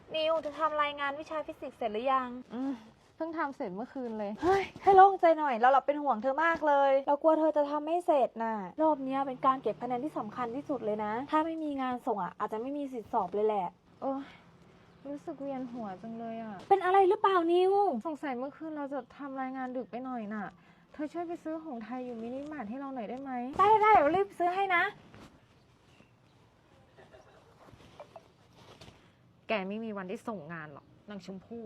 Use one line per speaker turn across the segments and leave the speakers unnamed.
นิวจะทำรายงานวิชาฟิสิกส์เสร็จหรือยัง
เพิ่งทำเสร็จเมื่อคืนเลย
เฮ้ยให้โล่งใจหน่อยเราเป็นห่วงเธอมากเลยเรากลัวเธอจะทำไม่เสร็จน่ะรอบนี้เป็นการเก็บคะแนนที่สำคัญที่สุดเลยนะถ้าไม่มีงานส่งอาจจะไม่มีสิทธิสอบเลยแหละ
โอ้ยรู้สึกเวียนหัวจังเลยอ่ะ
เป็นอะไรหรือเปล่านิว
สงสัยเมื่อคืนเราจะทำรายงานดึกไปหน่อยน่ะเธอช่วยไปซื้อหงส์ไทยอยู่มินิมาร์ทให้เราหน่อยได้ไหม
ได้เดี๋ยวรีบซื้อให้นะ
แกไม่มีวันได้ส่งงานหรอกนางชมพู่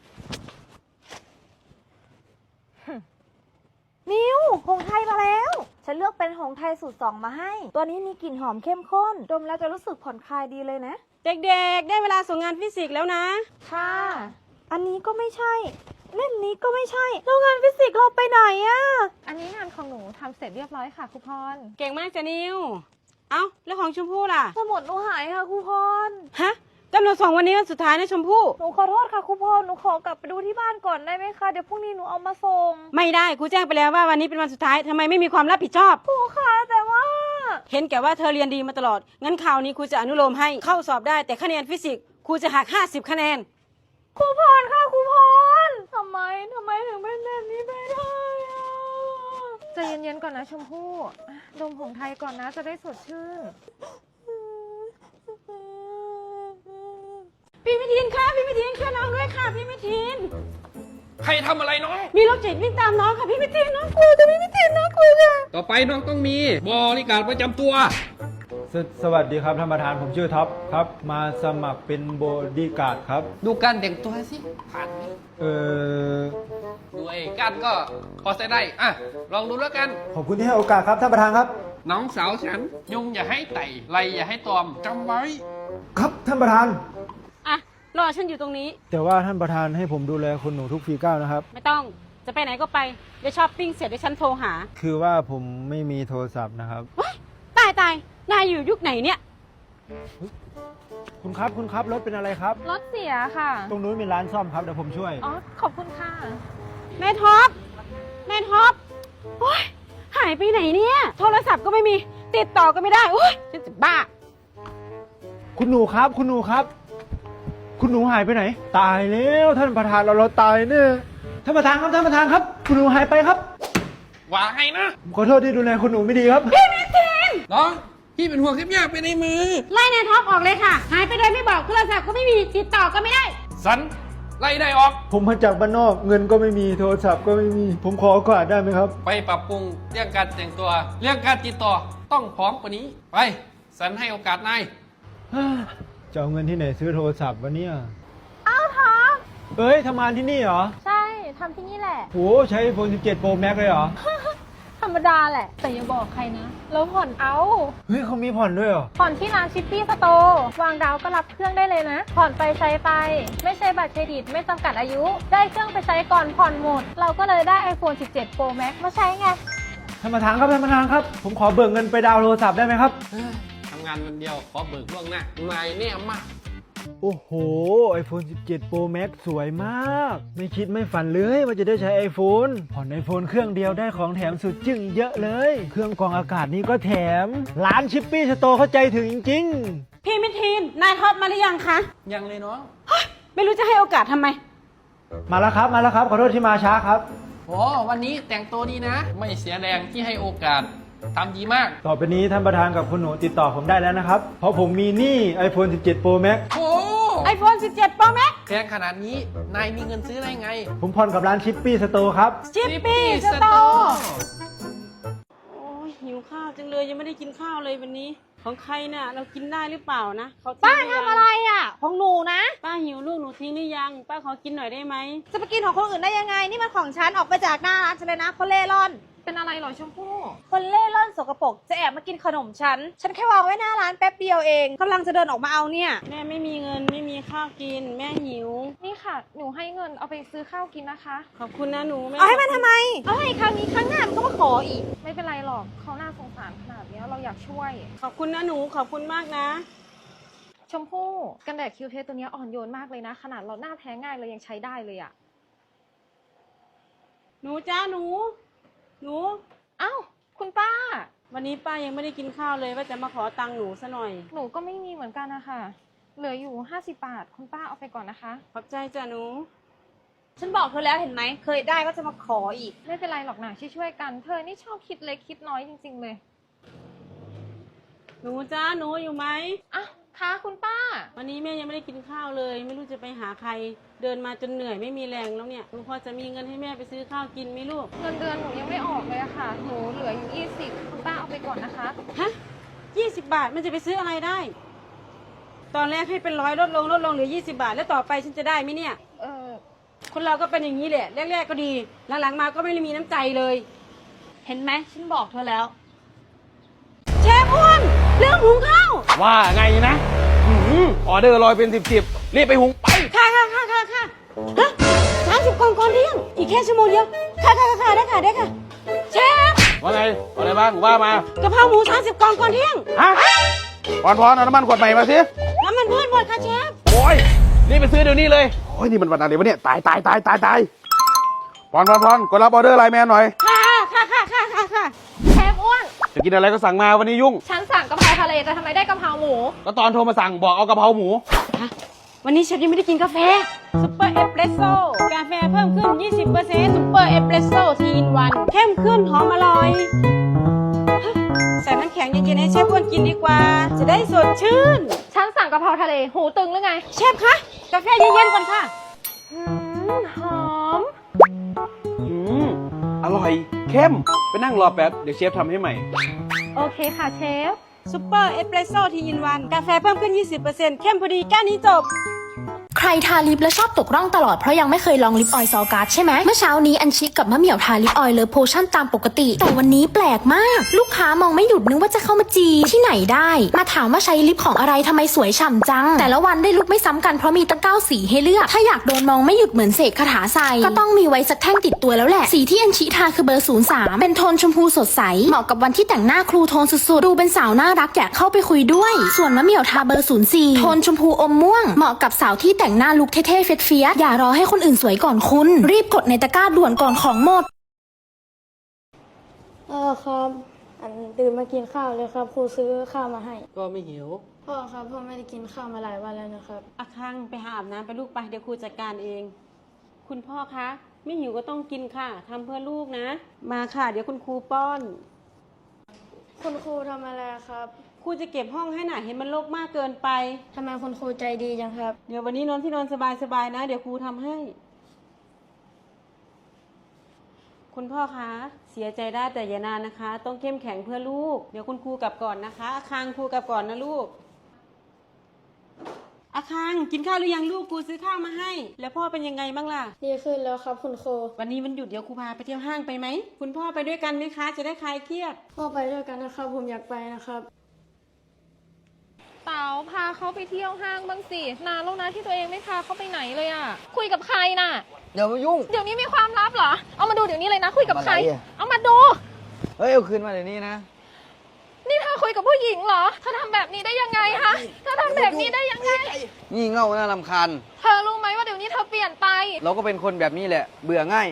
นิวหงส์ไทยมาแล้วฉันเลือกเป็นหงส์ไทยสูตร 2มาให้ตัวนี้มีกลิ่นหอมเข้มข้นดมแล้วจะรู้สึกผ่อนคลายดีเลยนะ
เด็กๆได้เวลาส่งงานฟิสิกส์แล้วนะ
ค่ะอันนี้ก็ไม่ใช่เล่มนี้ก็ไม่ใช่แล้วงานฟิสิกส์เราไปไหนอะ
อันนี้งานของหนูทำเสร็จเรียบร้อยค่ะครูพร
เก่งมากจ้ะนิวเอ้าแล้วของชมพู่ล่ะ
สมุดหนูหายค่ะครูพร
ฮะกำหนดส่งวันนี้วันสุดท้ายนะชมพู่
หนูขอโทษค่ะครูพรหนูขอกลับไปดูที่บ้านก่อนได้ไหมคะเดี๋ยวพรุ่งนี้หนูเอามาส่ง
ไม่ได้ครูแจ้งไปแล้วว่าวันนี้เป็นวันสุดท้ายทำไมไม่มีความรับผิดชอบ
ครูคะแต่ว่า
เห็นแก่ว่าเธอเรียนดีมาตลอดงั้นคราวนี้ครูจะอนุโลมให้เข้าสอบได้แต่คะแนนฟิสิกส์ครูจะหัก50คะแนน
ครูพรค่ะครูพรทำไมถึงเป็นแบบนี้ไปได้อะ
ใจเย็นๆก่อนนะชมพู่ดมหงส์ไทยก่อนนะจะได้สดชื่น
พี่มิทินค่ะพี่มิทินช่วยน้องด้วยค่ะพี่มิทิน
ใครทำอะไรน้อง
มีรถจิตวิ่งตามน้องค่ะพี่มิทินน้องกลัวจะพี่มิทินน้องกลัวค่ะ
ต่อไปน้องต้องมีบริการประจำตัว
สวัสดีครับท่านประธานผมชื่อท็อปครับมาสมัครเป็นบอดี้การ์ดครับ
ดูการแต่งตัวสิผ่านไหมด้วยการก็พอใช้ได้อ่ะลองดูแล้วกัน
ขอบคุณที่ให้โอกาสครับท่านประธานครับ
น้องสาวฉันยุงอย่าให้ไต่ไรอย่าให้ตอมจำไว้
ครับท่านประธาน
อ่ะรอฉันอยู่ตรงนี้
แต่ว่าท่านประธานให้ผมดูแลคุณหนูทุกฝีก้าวนะครับ
ไม่ต้องจะไปไหนก็ไปเดี๋ยวช้อปปิ้งเสร็จเดี๋ยวฉันโทรหา
คือว่าผมไม่มีโทรศัพท์นะครับ
ตายนายอยู่ยุคไหนเนี่ย
คุณครับรถเป็นอะไรครับ
รถเสียค่ะ
ตรงนู้นมีร้านซ่อมครับเดี๋ยวผมช่วย
อ๋อขอบคุณค่ะ
แม่ท็อปโอ๊ยหายไปไหนเนี่ยโทรศัพท์ก็ไม่มีติดต่อก็ไม่ได้โอ๊ยฉันจะบ้า
คุณหนูครับคุณหนูหายไปไหนตายแล้วท่านประธานเราตายเนี่ยท่านประธานครับคุณหนูหายไปครับ
ว่าไงนะ
ผมขอโทษที่ดูแลคุณหนูไม่ดีครับ
พี่มิทิน
น้องพี่เป็นห่วงเทปยากไปในมือ
ไล่นายท็อปออกเลยค่ะหายไปโดยไม่บอกโทรศัพท์ก็ไม่มีติดต่อก็ไม่ได้
สันไล่ได้ออก
ผมมาจากบ้านนอกเงินก็ไม่มีโทรศัพท์ก็ไม่มีผมขอโอกาสได้ไหมครับ
ไปปรับปรุงเรื่องการแต่งตัวเรื่องการติดต่อต้องพร้อมกว่านี้ไปสันให้โอกาสนาย
จะเอาเงินที่ไหนซื้อโทรศัพท์วะเนี่ย
อ้าวท็อป
เอ้ยทำงานที่นี่เหรอ
ใช่ทำที่นี่แหละ
โหใช้ iPhone 17 Pro Max เลยเหรอ
ธรรมดาแหละแต่อย่าบอกใครนะเราผ่อนเอา
เฮ้ยเขามีผ่อนด้วยเหรอ
ผ่อนที่ร้านชิปปี้สโตร์วางดาวก็รับเครื่องได้เลยนะผ่อนไปใช้ไปไม่ใช่บัตรเครดิตไม่จำกัดอายุได้เครื่องไปใช้ก่อนผ่อนหมดเราก็เลยได้ iPhone 17 Pro Max มาใช้ไง
ท่านประธานครับผมขอเบิกเงินไปดาวน์โทรศัพท์ได้ไหมครับ
ทำงานวันเดียวขอเบิกล่วงหน้านายเนี่ยมาก
โอ้โห iPhone 17 Pro Max สวยมากไม่คิดไม่ฝันเลยว่าจะได้ใช้ iPhone ผ่อน iPhone เครื่องเดียวได้ของแถมสุดจึ้งเยอะเลยเครื่องกรองอากาศนี้ก็แถมร้านชิปปี้สโตร์เข้าใจถึงจริง
ๆพี่มิทินนายท็อปมาหรือยังคะ
ยังเลยน้อง
ไม่รู้จะให้โอกาสทำไม
มาแล้วครับขอโทษที่มาช้าครับ
โอ้วันนี้แต่งตัวดีนะไม่เสียแรงที่ให้โอกาสทำดีมาก
ต่อไปนี้ท่านประธานกับคุณหนูติดต่อผมได้แล้วนะครับเพราะผมมีหนี้ iPhone 17 Pro Max
โอ้
iPhone 17 Pro Max
แพงขนาดนี้นายมีเงินซื้อได้ไง
ผมผ่อนกับร้านชิปปี้สโตร์ครับ
ชิปปี้สโตร์โอ้ยหิวข้าวจังเลยยังไม่ได้กินข้าวเลยวันนี้ของใครเนี่ยเรากินได้หรือเปล่านะ
ป้าทำอะไรอ่ะของหนูนะ
ป้าหิวลูกหนูทิ้งหรือยังป้าขอกินหน่อยได้ไหม
จะไปกินของคนอื่นได้ยังไงนี่มันของฉันออกไปจากหน้าร้านฉันเลยนะคนเล่ร่อน
เป็นอะไรหรอชมพู่
คนเล่ร่อนสกปรกจะแอบมากินขนมฉันแค่วางไว้หน้าร้านแป๊บเดียวเองกำลังจะเดินออกมาเอาเนี่ย
แม่ไม่มีเงินไม่มีข้าวกินแม่หิว
นี่ค่ะหนูให้เงินเอาไปซื้อข้าวกินนะคะ
ขอบคุณนะหนูแม่
เอาให้มันทำไมเอาให้ครั้งนี้ครั้งหน้ามันก็มาขออีก
ไม่เป็นไรหรอกเขาน่าสงสารขนาดนี้เราอยากช่วย
ขอบคุณนะหนูขอบคุณมากนะ
ชมพู่กันแดดคิวเทสตัวนี้อ่อนโยนมากเลยนะขนาดเราหน้าแพ้ง่ายเลยยังใช้ได้เลยอะ
หนูจ้าหนู
อ้าวคุณป้า
วันนี้ป้ายังไม่ได้กินข้าวเลยว่าจะมาขอตังค์หนูซะหน่อย
หนูก็ไม่มีเหมือนกันนะคะเหลืออยู่50 บาทคุณป้าเอาไปก่อนนะคะ
ขอบใจจ้ะหนู
ฉันบอกเธอแล้วเห็นไหม เคยได้ก็จะมาขออีก
ไม่เป็นไรหรอกนะช่วยๆกันเธอนี่ชอบคิดเล็กคิดน้อยจริงๆเลย
หนูจ้าหนูอยู่ไหม
อ่ะค่ะคุณป้า
วันนี้แม่ยังไม่ได้กินข้าวเลย ไม่รู้จะไปหาใคร เดินมาจนเหนื่อยไม่มีแรงแล้วเนี่ยหนูพอจะมีเงินให้แม่ไปซื้อข้าวกินไหมลูก
เงินเดือนหนูยังไม่ออกเลยอะค่ะหนูเหลืออยู่20คุณป้าเอาไปก่อนนะคะ
ฮะ20 บาทมันจะไปซื้ออะไรได้ ตอนแรกให้เป็น100ลดลงเหลือ20 บาท แล้วต่อไปฉันจะได้ไหมเนี่ย คนเราก็เป็นอย่างนี้แหละแรกๆก็ดีหลังๆมาก็ไม่ได้มีน้ำใจเลย
เห็นไหม ฉันบอกเธอแล้ว
เชฟอ้วนเรื่องหุงข้าว
ว่าไงนะออเดอร์ลอยเป็นสิบรีบไปหุงไป
ค่ะฮะ30 กล่องก่อนเที่ยงอีกแค่ชั่วโมงเดียวค่ะได้ค่ะเชฟ
ว่าไงอะไรบ้างว่ามา
กะเพราหมู30 กล่องก่อนเที่ยง
ฮะพรเอาน้ำมันขวดใหม่มาสิ
น้ำมันพืชหมดค่ะเชฟ
โอ้ยรีบไปซื้อเดี๋ยวนี้เลยโอ้ยนี่มันวันอะไรวะเนี่ยตายพรกดรับออเดอร์ไลน์แมนหน่อย
ค่ะ
เชฟอ้วน
จะกินอะไรก็สั่งมาวันนี้ยุ่ง
ฉันสั่งกะเพราทะเลแต่ทำไมได้กะเพราหมู
ก็ตอนโทรมาสั่งบอกเอากะเพราหมู
วันนี้เชฟยังไม่ได้กินกาแฟซุปเปอร์เอสเปรสโซ่กาแฟเพิ่มขึ้น 20%ซุปเปอร์เอสเปรสโซ่ทีอินวันเข้มขึ้นหอมอร่อยใส่น้ำแข็งเย็นๆให้เชฟอ้วนกินดีกว่า จะได้สดชื่น
ฉันสั่งกะเพราทะเลหูตึงหรือไง
เชฟคะกาแฟเย็นๆก่อนค่ะ
หอม
อร่อยเข้มไปนั่งรอแป๊บเดี๋ยวเชฟทำให้ใหม่
โอเคค่ะเชฟ
ซุปเปอร์เอสเปรสโซ่ทีอินวันกาแฟเพิ่มขึ้น 20%เข้มพอดีแก้วนี้จบ
ใครทาลิปแล้วชอบตกร่องตลอดเพราะยังไม่เคยลองลิปออยล์ซอลการ์ดใช่ไหมเมื่อเช้านี้อัญชิกับมะเหมี่ยวทาลิปออยล์เลิฟโพชั่นตามปกติแต่วันนี้แปลกมากลูกค้ามองไม่หยุดนึกว่าจะเข้ามาจีบที่ไหนได้มาถามว่าใช้ลิปของอะไรทำไมสวยฉ่ำจังแต่ละวันได้ลุกไม่ซ้ำกันเพราะมีตั้ง9สีให้เลือกถ้าอยากโดนมองไม่หยุดเหมือนเสกคาถาใส่ก็ต้องมีไว้สักแท่งติดตัวแล้วแหละสีที่อัญชิทาคือเบอร์03เป็นโทนชมพูสดใสเหมาะกับวันที่แต่งหน้าครูโทนสุดๆดูเป็นสาวน่ารักอยากเข้าไปคุยด้วยส่วนมะเหมี่ยวทาเบอร์04โทนชมพูอมม่วงเหมาะกับสาวที่แต่งหน้าลุคเท่ๆเฟี้ยๆอย่ารอให้คนอื่นสวยก่อนคุณรีบกดในตะกร้าด่วนก่อนของหมด
ครับตื่นมากินข้าวเลยครับครูซื้อข้าวมาให้
ก็ไม่หิว
พ่อครับพ่อไม่ได้กินข้าวมาหลายวันแล้วนะครับ
อาคังไปหาอาบน้ำไปลูกไปเดี๋ยวครูจัดการเอง คุณพ่อคะไม่หิวก็ต้องกินค่ะทำเพื่อลูกนะ มาค่ะเดี๋ยวคุณครูป้อน
คุณครูทำอะไรครับ
ครูจะเก็บห้องให้หน่ะเห็นมันรกมากเกินไป
ทำไมคุณครูใจดีจังครับ
เดี๋ยววันนี้นอนที่นอนสบายๆนะ เดี๋ยวครูทำให้ คุณพ่อคะเสียใจได้แต่อย่านานนะคะ ต้องเข้มแข็งเพื่อลูก เดี๋ยวคุณครูกลับก่อนนะคะอาคังครูกลับก่อนนะลูกอาคังกินข้าวหรือยังลูกครูซื้อข้าวมาให้ แล้วพ่อเป็นยังไงบ้างล่ะ
ดีขึ้นแล้วครับคุณครู
วันนี้มันหยุดเดี๋ยวครูพาไปเที่ยวห้างไปไหมคุณพ่อไปด้วยกันไหมคะ จะได้คลายเครียด
พ่อไปด้วยกันนะครับ ผมอยากไปนะครับ
เต๋าพาเขาไปเที่ยวห้างบ้างสินานแล้วนะที่ตัวเองไม่พาเขาไปไหนเลยอะคุยกับใครน่ะ
เดี๋ยวมายุ่ง
เดี๋ยวนี้มีความลับเหรอเอามาดูเดี๋ยวนี้เลยนะคุยกับใคร
อะไรอะ
เอามาดู
เฮ้ย เอาคืนมาเดี๋ยวนี้นะ
นี่เธอคุยกับผู้หญิงเหรอเธอทำแบบนี้ได้ยังไงคะเธอทำแบบนี้ได้ยังไง
งี่เง่าน่ารำคาญ
เธอรู้ไหมว่าเดี๋ยวนี้เธอเปลี่ยนไป
เราก็เป็นคนแบบนี้แหละ เบื่อง่าย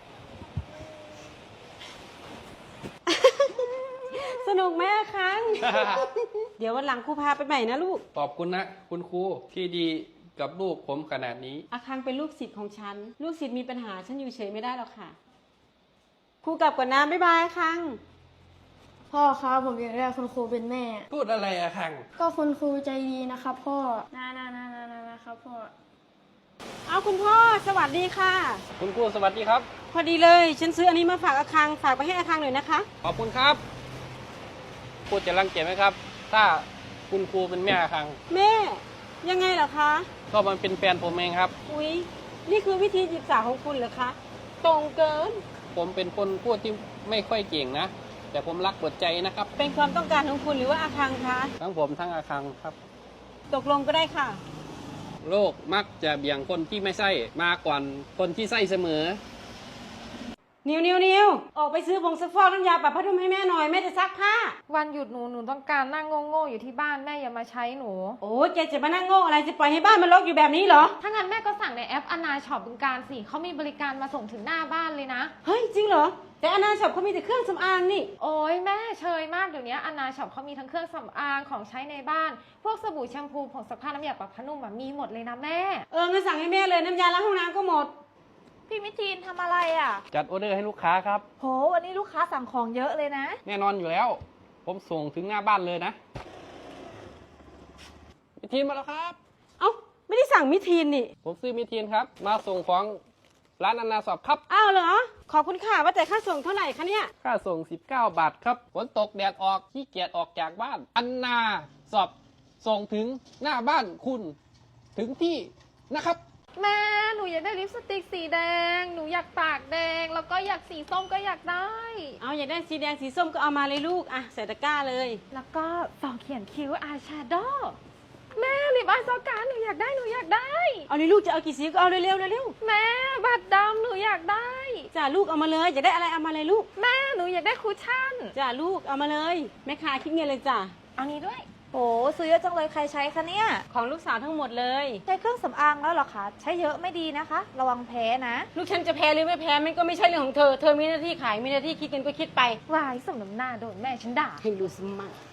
สนุกไหมอาคัง เดี๋ยววันหลังครูพาไปใหม่นะลูก
ขอบคุณนะคุณครูที่ดีกับลูกผมขนาดนี้
อาคังเป็นลูกศิษย์ของฉัน ลูกศิษย์มีปัญหาฉันอยู่เฉยไม่ได้หรอกค่ะ ครูกลับก่อนนะบ๊ายบายอาคัง
พ่อครับผมอยากได้คุณครูเป็นแม่
พูดอะไรอะคัง
ก็คุณครูใจดีนะครับพ่อนะครับพ่อ
เอาคุณพ่อสวัสดีค่ะ
คุณครูสวัสดีครับ
พอดีเลยฉันซื้ออันนี้มาฝากอาคังฝากไปให้อาคังหน่อยนะคะ
ขอบคุณครับพูดจะรังเกียจไหมครับ ถ้าคุณครูเป็นแม่คัง
แม่ยังไงเหรอคะ
ก็มันเป็นแฟนผมเองครับ
อุ๊ยนี่คือวิธีจีบสาวของคุณเหรอคะตรงเกิน
ผมเป็นคนพูดที่ไม่ค่อยเก่งนะ แต่ผมรักหมดใจนะครับ
เป็นความต้องการของคุณหรือว่าอาคังคะ
ทั้งผมทั้งอาคังครับ
ตกลงก็ได้ค่ะ
โลกมักจะเบี่ยงคนที่ไม่ใช่มากกว่าคนที่ใช่เสมอ
นิวออกไปซื้อผงซักฟอกน้ำยาปรับผ้านุ่มให้แม่หน่อยแม่จะซักผ้า
วันหยุดหนูต้องการนั่งโง่ๆอยู่ที่บ้านแม่อย่ามาใช้หนู
โอ้ยแกจะมานั่งโง่อะไรจะปล่อยให้บ้านมันรกอยู่แบบนี้เหรอ
ถ้างั้นแม่ก็สั่งในแอปอนาช็อปบึงการสิเขามีบริการมาส่งถึงหน้าบ้านเลยนะ
เฮ้ยจริงเหรอแต่อนาช็อปเขามีแต่เครื่องสำอางนี่
โอ้ยแม่เชยมากเดี๋ยวนี้อนาช็อปเขามีทั้งเครื่องสำอางของใช้ในบ้าน พวกสบู่แชมพูผงซักผ้าน้ำยาปรับผ้านุ่มมีหมดเลยนะแม่
งั้นสั่งให้แม่เลยน้ำยาล้างห้องน้ำก็หมด
พี่มิทีนทำอะไรอ่ะ
จัดออเดอร์ให้ลูกค้าครับ
โห วันนี้ลูกค้าสั่งของเยอะเลยนะ
แน่นอนอยู่แล้ว ผมส่งถึงหน้าบ้านเลยนะมิทีนมาแล้วครับ
เอ้าไม่ได้สั่งมิทีนนี่
ผมซื้อมิทีนครับ มาส่งของร้านอนาสอบครับ
อ้าวเหรอขอบคุณค่ะว่าแต่ค่าส่งเท่าไหร่คะเนี่ย
ค่าส่ง 19 บาทครับฝนตกแดดออกขี้เกียจออกจากบ้านอันนาสอบส่งถึงหน้าบ้านคุณถึงที่นะครับ
แม่หนูอยากได้ลิปสติกสีแดงหนูอยากปากแดงแล้วก็อยากสีส้มก็อยากได้
เอาอยากได้สีแดงสีส้มก็เอามาเลยลูกอ่ะใส่ตะกร้าเลย
แล้วก็ต่อเขียนคิ้วอายแชโดว์แม่ลิปอายซอการหนูอยากได้
เอาเลยลูกจะเอากี่สีก็เอาเร็วๆเร็ว
แม่บัตรดำหนูอยากได้
ๆจ้าลูกเอามาเลยอยากได้อะไรเอามาเลยลูก
แม่หนูอยากได้คุชชั่น
จ้าลูกเอามาเลยแม่ค้าคิดเงินเลยจ้า
เอานี้ด้วย
โห ซื้อเยอะจังเลยใครใช้คะเนี่ย
ของลูกสาวทั้งหมดเลย
ใช้เครื่องสำอางแล้วเหรอคะ ใช้เยอะไม่ดีนะคะ ระวังแพ้นะ
ลูกฉันจะแพ้หรือไม่แพ้มันก็ไม่ใช่เรื่องของเธอ เธอมีหน้าที่ขายมีหน้าที่คิดเงินก็คิดไป
วายสมน้ำหน้าโดนแม่ฉันด่า
ให้รู้สมั่ง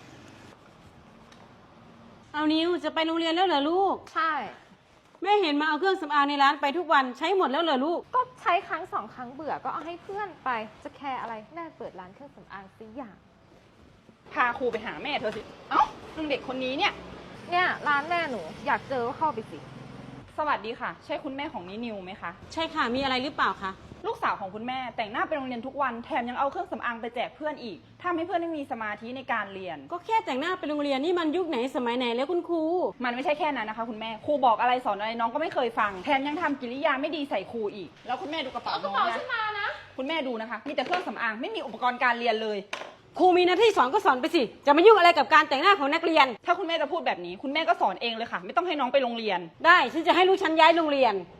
เอานิวจะไปโรงเรียนแล้วเหรอลูก
ใช่
แม่เห็นมาเอาเครื่องสำอางในร้านไปทุกวันใช้หมดแล้วเหรอลูก
ก็ใช้ครั้งสองครั้งเบื่อก็เอาให้เพื่อนไปจะแคร์อะไรแม่เปิดร้านเครื่องสำอางสิอย่าง
พาครูไปหาแม่เธอสิ เอ้าลุงเด็กคนนี้เนี่ย
เนี่ยร้านแม่หนูอยากเจอก็เข้าไปสิ
สวัสดีค่ะ ใช่คุณแม่ของนินิวไหมคะ
ใช่ค่ะมีอะไรหรือเปล่าคะ
ลูกสาวของคุณแม่แต่งหน้าไปโรงเรียนทุกวันแถมยังเอาเครื่องสำอางไปแจกเพื่อนอีกทำให้เพื่อนไม่มีสมาธิในการเรียน
ก็แค่แต่งหน้าไปโรงเรียนนี่มันยุคไหนสมัยไหนแล้วคุณครู
มันไม่ใช่แค่นั้นนะคะ คุณแม่ครูบอกอะไรสอนอะไรน้องก็ไม่เคยฟังแถมยังทำกิริยาไม่ดีใส่ครูอีก แล้วคุณแม่ดูกระเป๋าน้องนะคุณแม่ดูนะคะมีแต่เครื่องสำอางไม่มีอุปกรณ์การเรียนเลย
ครูมีหน้าที่สอนก็สอนไปสิจะมายุ่งอะไรกับการแต่งหน้าของนักเรียน
ถ้าคุณแม่จะพูดแบบนี้คุณแม่ก็สอนเองเลยค่ะ ไม่ต้องให้น้องไปโรงเรียน
ได้ฉันจะให้ลูกฉันย้ายโรงเรียน